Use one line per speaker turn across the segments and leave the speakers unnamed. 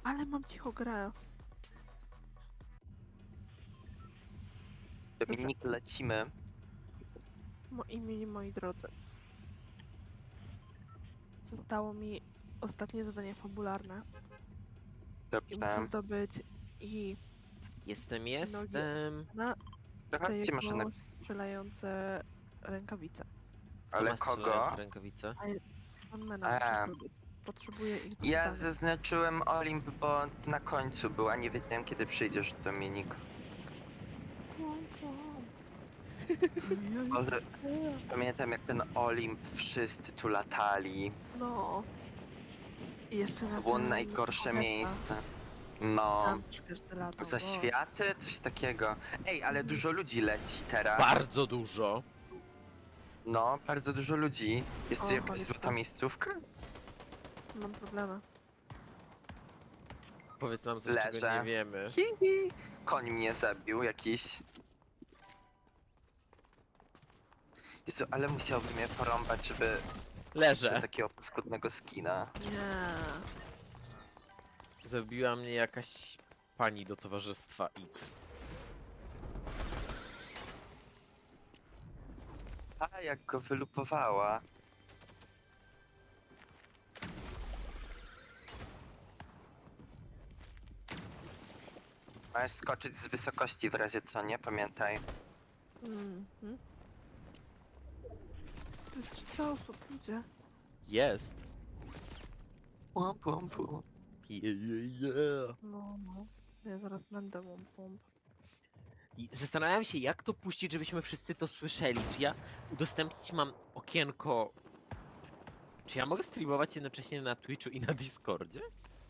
Ale mam cicho grę.
Dominik, lecimy.
Moi drodzy. Zostało mi ostatnie zadanie fabularne. I muszę
Dobrze.
zdobyć i
Jestem.
na te
Zobaczcie
jego
maszynę.
strzelające rękawice.
Kto
Ale
ma strzelające
kogo?
rękawice?
Ironmana muszę
A.
zdobyć. Potrzebuję ich do
Ja
zadania.
zaznaczyłem Olimp, bo na końcu był, a nie wiedziałem kiedy przyjdziesz, Dominik. Boże, pamiętam jak ten Olimp wszyscy tu latali.
No. I jeszcze na
To było
ten
najgorsze
kometa.
miejsce. No.
Tam też każdy latał,
Za
bo-
światy? Coś takiego. Ej, ale dużo ludzi leci teraz.
Bardzo dużo.
No, bardzo dużo ludzi. Jest tu
O,
jakaś
cholipka.
złota miejscówka?
Mam problemy.
Powiedz nam coś, czego
Leżę.
nie wiemy.
Hihi. Koń mnie zabił jakiś. Jezu, ale musiałbym je porąbać, żeby za
Leżę.
takiego paskudnego skina.
Nie.
Zabiła mnie jakaś pani do towarzystwa X.
A, jak go wylupowała. Masz skoczyć z wysokości w razie co, nie? Pamiętaj.
Mhm. To jest 300 osób, ludzie.
Jest.
Pum, pum, pum.
Yeah.
No. Ja zaraz będę łąpą.
I zastanawiam się, jak to puścić, żebyśmy wszyscy to słyszeli. Czy ja udostępnić mam okienko... Czy ja mogę streamować jednocześnie na Twitchu i na Discordzie?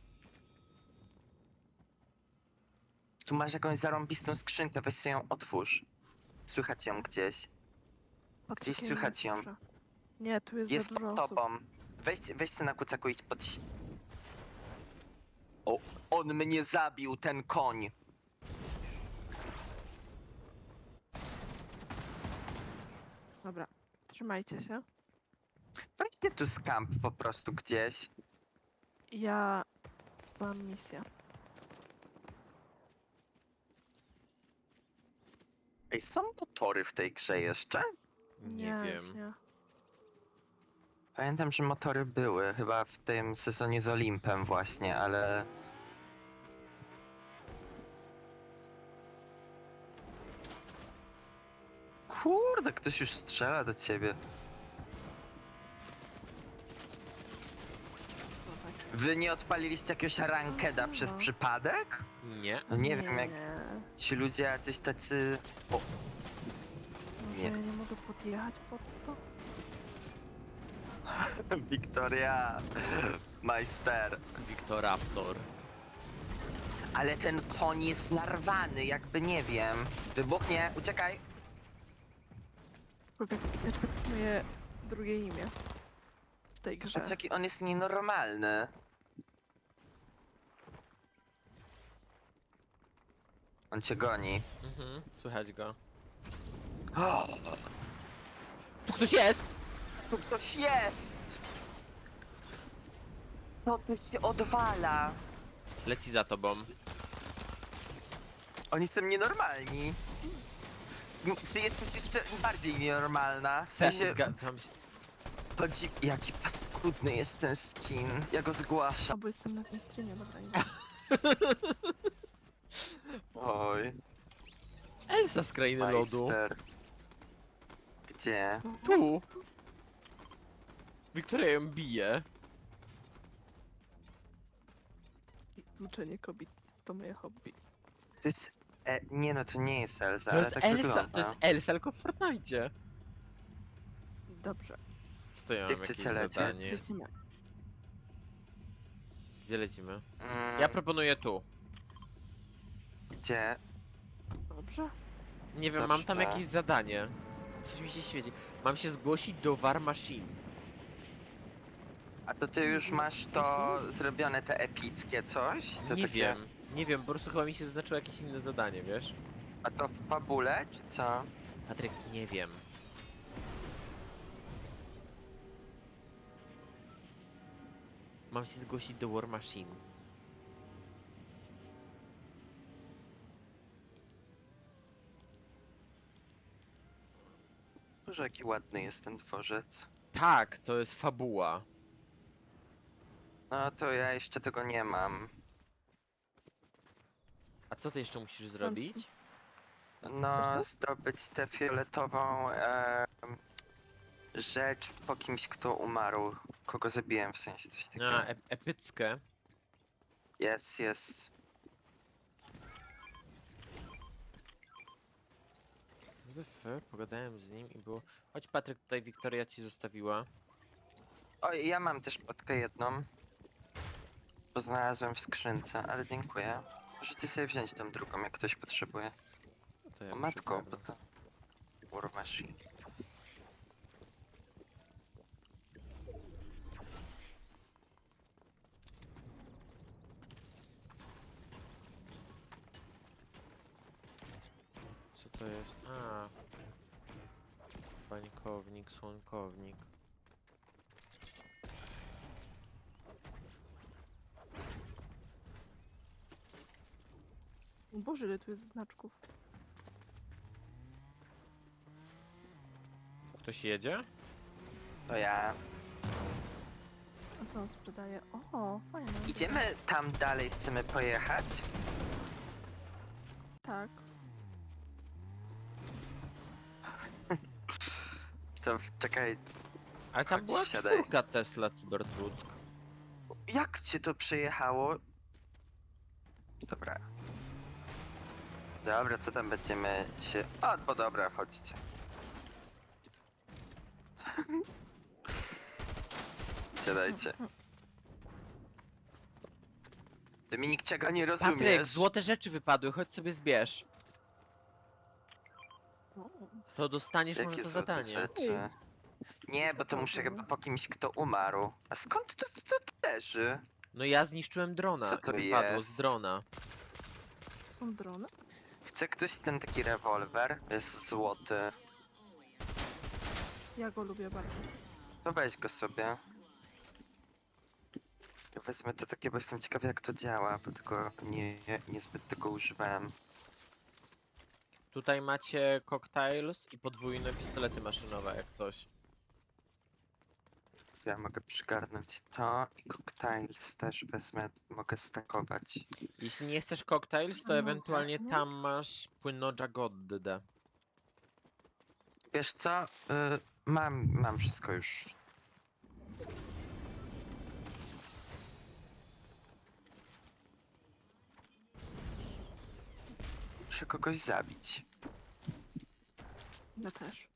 Tu masz jakąś zarąbistą skrzynkę, weź sobie ją otwórz. Słychać ją gdzieś. Gdzieś słychać ją.
Nie, tu jest
Jest
za dużo
pod
osób.
tobą. Weź se na kucaku idź pod... O, on mnie zabił, ten koń.
Dobra, trzymajcie się.
Weźcie tu skamp po prostu gdzieś.
Ja mam misję.
Ej, są motory w tej grze jeszcze?
Nie
już
wiem.
Nie.
Pamiętam, że motory były, chyba w tym sezonie z Olimpem właśnie, ale... Kurde, ktoś już strzela do ciebie.
No tak.
Wy nie odpaliliście jakiegoś rankeda przez przypadek?
Nie.
No nie wiem, jak ci ludzie jacyś tacy... O,
Może
nie.
ja nie mogę podjechać pod to?
Wiktoria, majster.
Wiktoraptor.
Ale ten koń jest narwany, jakby nie wiem. Wybuchnie, uciekaj.
Kwiateczka to jest moje drugie imię. W tej grze.
Patrz, jaki on jest nienormalny. On cię goni.
Mhm, słychać go.
O,
Tu ktoś jest!
tu ktoś jest! Co tu się odwala?
Leci za tobą.
Oni są nienormalni. Ty jesteś jeszcze bardziej nienormalna. W sensie,
Zgadzam się.
chodzi... Jaki paskudny jest ten skin. Ja go zgłaszam.
O, bo jestem na tym streamie, dobra. Nie.
Oj,
Elsa z krainy lodu.
majster. Gdzie?
Tu! Wiktoria ją bije.
Uczenie kobiet to moje hobby.
To jest... nie no, to nie jest Elsa,
To
ale
jest
tak
Elsa,
wygląda.
to jest Elsa, tylko w Fortnite.
Dobrze.
Co to ja
Gdzie
mam jakieś
chcecie lecieć?
zadanie?
Lecimy.
Gdzie lecimy?
Mm,
Ja proponuję tu.
Gdzie?
Dobrze.
Nie wiem, mam tam
Dobrze.
jakieś zadanie. Coś mi się świeci. Mam się zgłosić do War Machine.
A to ty już masz to zrobione, te epickie coś? To
Nie
takie...
wiem. Nie wiem, po prostu chyba mi się zaznaczyło jakieś inne zadanie, wiesz?
A to w fabule, czy co?
Patryk, nie wiem. Mam się zgłosić do War Machine.
Boże, jaki ładny jest ten dworzec.
Tak, to jest fabuła.
No to ja jeszcze tego nie mam.
A co ty jeszcze musisz zrobić?
No,
Wiesz
zdobyć tę fioletową rzecz po kimś, kto umarł. Kogo zabiłem, w sensie coś takiego.
A, epickie.
Jest.
Pogadałem z nim i było... Chodź Patryk, tutaj Wiktoria ci zostawiła.
O, ja mam też potkę jedną. Bo znalazłem w skrzynce, ale dziękuję. Możecie sobie wziąć tą drugą, jak ktoś potrzebuje.
No to ja
O
muszę
matko, bo
ogarnąć.
to... War Machine.
Co to jest? A. Bańkownik, słonkownik.
O Boże, ile tu jest znaczków.
Ktoś jedzie?
To ja.
A co on sprzedaje? O, fajne.
Idziemy tam dalej, chcemy pojechać?
Tak.
To czekaj,
Ale tam
Chodź,
była
wsiadaj.
4 Tesla Cybertruck.
jak cię to przejechało? Dobra. Dobra, co tam będziemy się... O, bo dobra, chodźcie. Siadajcie. Dominik, czego nie
Patryk,
rozumiesz?
złote rzeczy wypadły, chodź sobie zbierz.
O,
To dostaniesz może
Jakie
to
złote
zadanie.
rzeczy? Nie, bo to muszę chyba po kimś, kto umarł. A skąd to leży?
No ja zniszczyłem drona.
Co to
Wypadło
jest?
z drona.
są drony?
Chce ktoś ten taki rewolwer? Jest złoty.
Ja go lubię bardzo.
To weź go sobie. Ja wezmę to takie, bo jestem ciekawy jak to działa, bo tylko niezbyt tego używałem.
Tutaj macie cocktails i podwójne pistolety maszynowe, jak coś.
Ja mogę przygarnąć to i cocktails też wezmę, mogę stakować.
Jeśli nie chcesz cocktails, to
No
ewentualnie
pewnie.
tam masz płynnoża goddę.
Wiesz co? Mam wszystko już. Muszę kogoś zabić.
Ja też.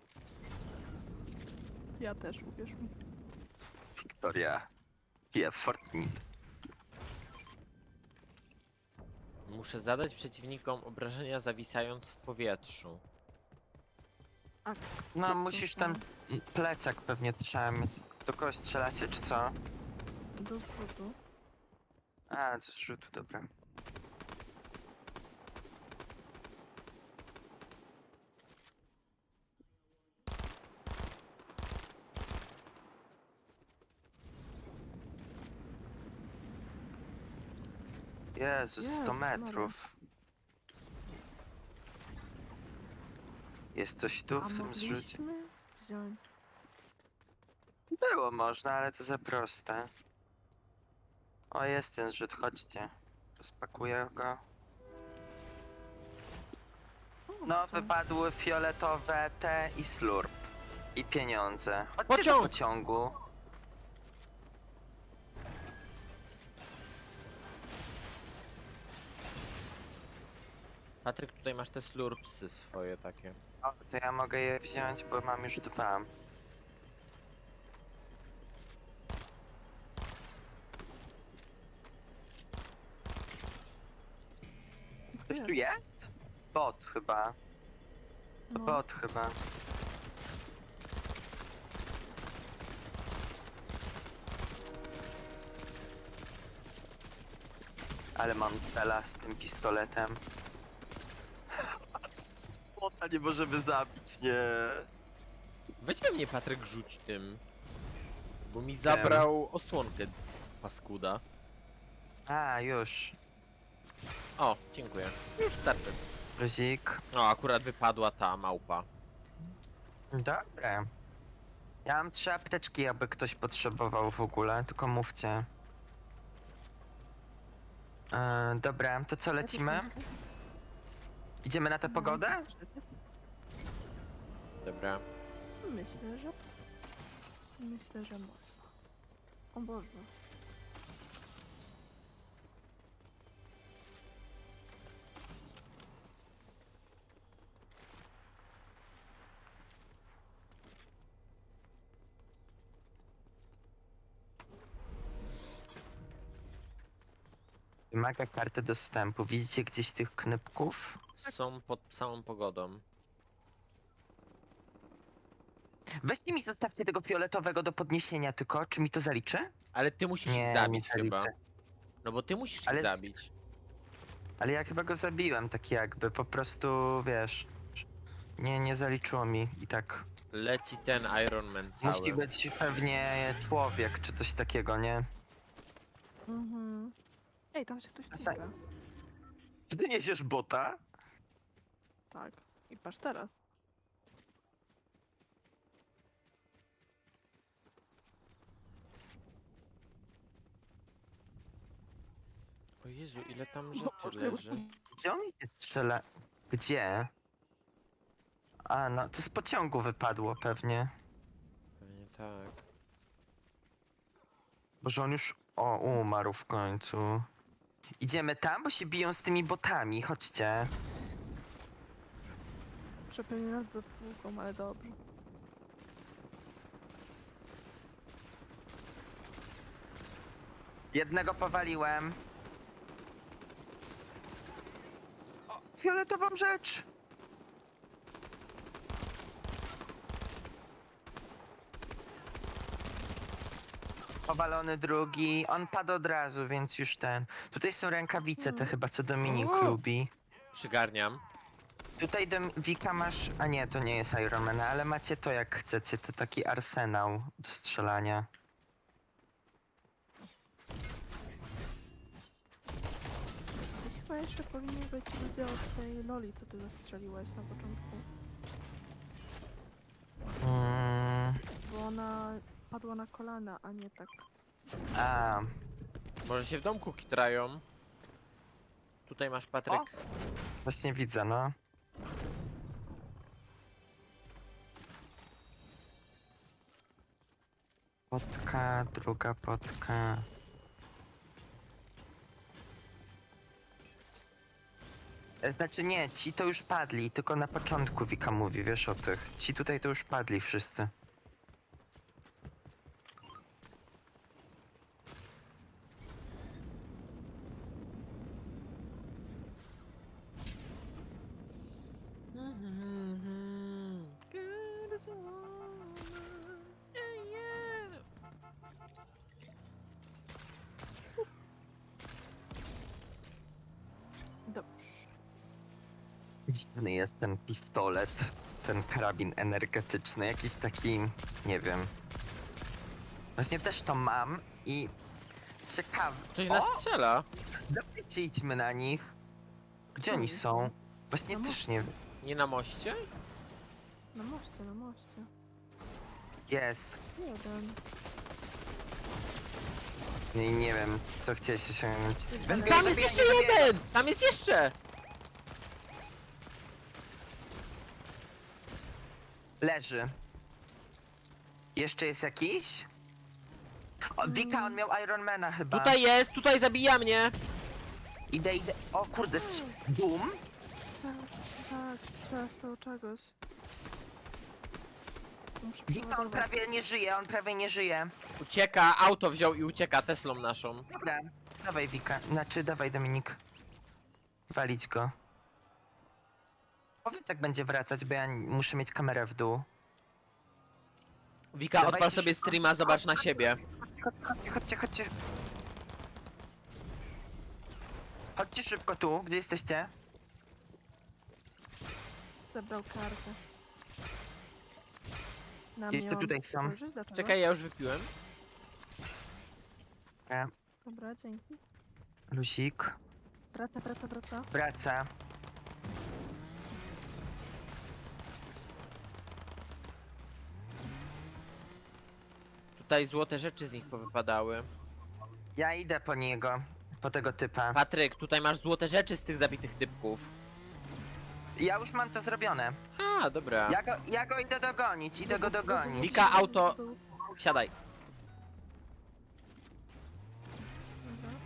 Ja też, uwierz mi.
Wiktoria. Ja Fortnite.
Muszę zadać przeciwnikom obrażenia zawisając w powietrzu.
A
No
kto
musisz
to
tam plecak pewnie trzeba mieć. Do kogoś strzelacie czy co?
do zrzutu.
A, to z rzutu, dobra. Jezus, 100
Jezu Maria.
metrów. Jest coś tu
A
w tym zrzucie?
mogliśmy wziąć.
Było można, ale to za proste. O, jest ten zrzut, chodźcie. Rozpakuję go.
O,
No,
to-
wypadły fioletowe te i slurp. I pieniądze. Chodźcie
Pociąg!
do pociągu.
Patryk, tutaj masz te slurpsy swoje takie.
O, to ja mogę je wziąć, bo mam już 2. Ktoś tu jest? Bot chyba. To
No.
bot chyba. Ale mam cela z tym pistoletem. Bota nie możemy zabić, nie.
Weź we mnie Patryk rzuć tym. Bo mi zabrał osłonkę, paskuda.
A, już.
O, dziękuję. Już starczy.
Luzik.
O, akurat wypadła ta małpa.
Dobra. Ja mam 3 apteczki, jakby ktoś potrzebował w ogóle, tylko mówcie. Dobra, to co, lecimy? Idziemy na tę pogodę?
Dobra.
Myślę, że... Myślę, że można. O Boże.
Wymaga karty dostępu. Widzicie gdzieś tych knypków?
Są pod całą pogodą.
Weźcie mi zostawcie tego fioletowego do podniesienia tylko, czy mi to zaliczy?
Ale ty musisz ich
Nie,
zabić
nie
chyba.
zaliczy.
No bo ty musisz
Ale
ich
z-
zabić.
Ale ja chyba go zabiłem, tak jakby, po prostu, wiesz... Nie zaliczyło mi i tak.
Leci ten Iron Man cały.
Musi być pewnie człowiek, czy coś takiego, nie?
Mhm. Ej, tam się ktoś
tak.
ściga.
Czy ty niesiesz bota?
Tak. I patrz teraz.
O Jezu, ile tam
O,
rzeczy leży.
Gdzie on się strzela? Gdzie? A, no, to z pociągu wypadło pewnie.
Pewnie tak.
Boże, on już... O, umarł w końcu. Idziemy tam, bo się biją z tymi botami, chodźcie.
Przepewnie nas zatłuką, ale dobrze.
Jednego powaliłem. O, fioletową rzecz! Powalony drugi. On padł od razu, więc już ten. Tutaj są rękawice, te chyba co Dominik
O!
lubi.
Przygarniam.
Tutaj Wika masz... A nie, to nie jest Iron Man, ale macie to jak chcecie, to taki arsenał do strzelania.
Gdzieś chyba jeszcze powinni być ludzie od tej Loli, co ty zastrzeliłeś na początku. Bo ona padła na kolana, a nie tak.
A,
Może się w domku kitrają. Tutaj masz Patryk.
właśnie widzę, no. Potka, druga potka. Znaczy nie, ci to już padli, tylko na początku Wika mówi, wiesz o tych. Ci tutaj to już padli wszyscy.
Good as a woman. Yeah, yeah. Dobrze.
Dziwny jest ten pistolet, ten karabin energetyczny, jakiś taki, nie wiem. Właśnie też to mam i ciekawe.
Ktoś nas strzela.
Dawajcie, idźmy na nich. Gdzie oni są? Właśnie
Na
też nie wiem.
Nie na moście?
Na moście, na moście.
Jest.
Jeden.
Nie wiem, co chciałeś osiągnąć. Weź go,
Tam
nie
jest
zabijaj,
jeszcze
nie zabijaj.
jeden! Tam jest jeszcze!
Leży. Jeszcze jest jakiś? O, Wika, on miał Ironmana chyba.
Tutaj jest, tutaj zabija mnie!
Idę. O kurde, Doom?
Tak, strzela z tego czegoś. Muszę
Wika, on
przeładować.
prawie nie żyje.
Ucieka, auto wziął i ucieka Teslą naszą.
Dobra, dawaj Wika, znaczy dawaj Dominik. Walić go. Powiedz jak będzie wracać, bo ja muszę mieć kamerę w dół.
Wika,
Dawajcie
odpal sobie
szybko.
streama, zobacz na siebie.
Chodźcie. Chodźcie szybko tu, gdzie jesteście?
Zebrał kartę. Na
Jeszcze
mnie mam
tutaj są.
spojrzeć? Dlaczego?
Czekaj, ja już wypiłem.
Dobra, dzięki.
Lusik.
Wraca.
Wraca.
tutaj złote rzeczy z nich powypadały.
Ja idę po niego, po tego typa.
Patryk, tutaj masz złote rzeczy z tych zabitych typków.
Ja już mam to zrobione.
A, dobra.
Ja go idę dogonić, idę go dogonić.
Wika, auto. Wsiadaj.
Dobra.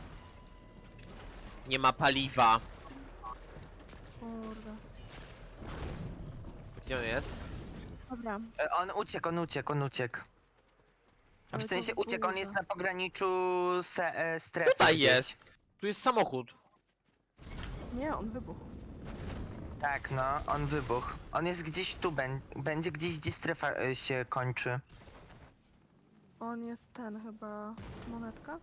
Nie ma paliwa.
Kurde.
Gdzie on jest?
Dobra.
On uciekł. A
Ale
w
to
sensie uciekł, on
kurde.
jest na pograniczu strefy
Tutaj
gdzieś.
jest. Tu jest samochód.
Nie, on wybuchł.
Tak, no, on wybuchł. On jest gdzieś tu, będzie gdzieś, gdzie strefa się kończy.
On jest ten chyba... Monetka?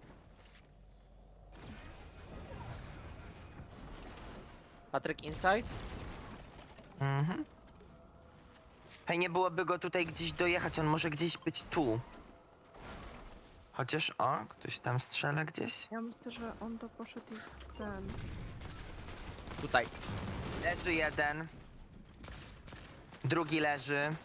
Patryk inside?
Mhm. Hej, nie byłoby go tutaj gdzieś dojechać, on może gdzieś być tu. Chociaż, o, ktoś tam strzela gdzieś.
Ja myślę, że on to poszedł i ten...
Tutaj.
Leży jeden. Drugi leży.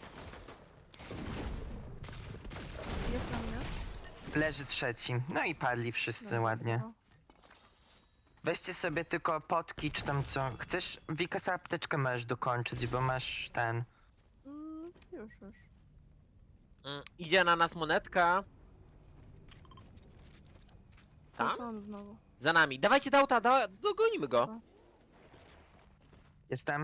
Jest na mnie.
Leży trzeci. No i padli wszyscy
Dobra,
ładnie.
no.
Weźcie sobie tylko potki, czy tam co. Chcesz, Wika, tę apteczkę możesz dokończyć, bo masz ten...
Już.
Idzie na nas monetka.
Tam?
Tam?
On znowu.
Za nami. Dawajcie do auta, dogonimy go.
Dobra.
Jestem.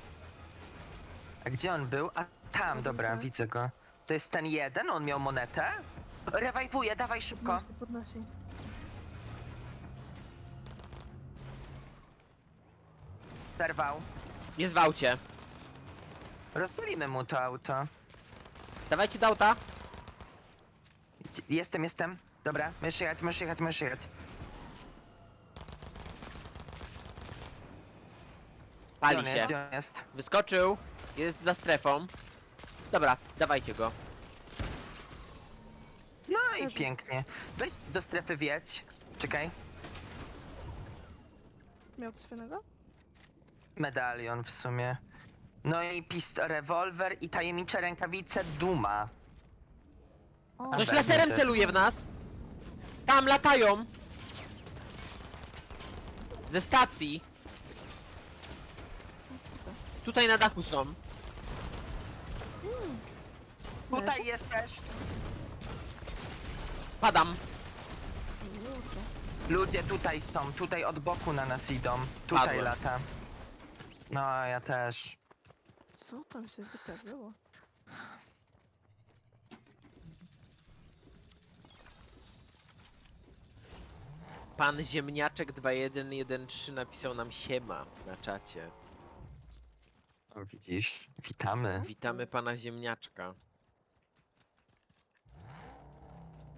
A gdzie on był? A tam, dobra,
Widzę.
widzę go. To jest ten jeden, on miał monetę? Rewajwuję, dawaj szybko.
Podnosi.
Zerwał.
Jest w aucie.
Rozwalimy mu to auto.
Dawajcie do auta.
Jestem. Dobra, możesz jechać.
Pali
Gdzie on
się.
jest? Gdzie on jest?
Wyskoczył. Jest za strefą. Dobra, dawajcie go.
No i
Leży.
pięknie. Weź do strefy wjedź. Czekaj.
Miał coś fajnego?
Medalion w sumie. No i rewolwer i tajemnicze rękawice Duma.
O,
A
Ktoś
tak,
laserem
widzę.
celuje w nas. Tam latają. Ze stacji. Tutaj na dachu są.
Tutaj jest też.
Padam.
Kurde.
Ludzie tutaj są, tutaj od boku na nas idą. Tutaj
Padłem.
lata. No, ja też.
Co tam się wydarzyło?
Pan Ziemniaczek 2113 napisał nam siema na czacie.
O, widzisz? Witamy.
Witamy pana Ziemniaczka.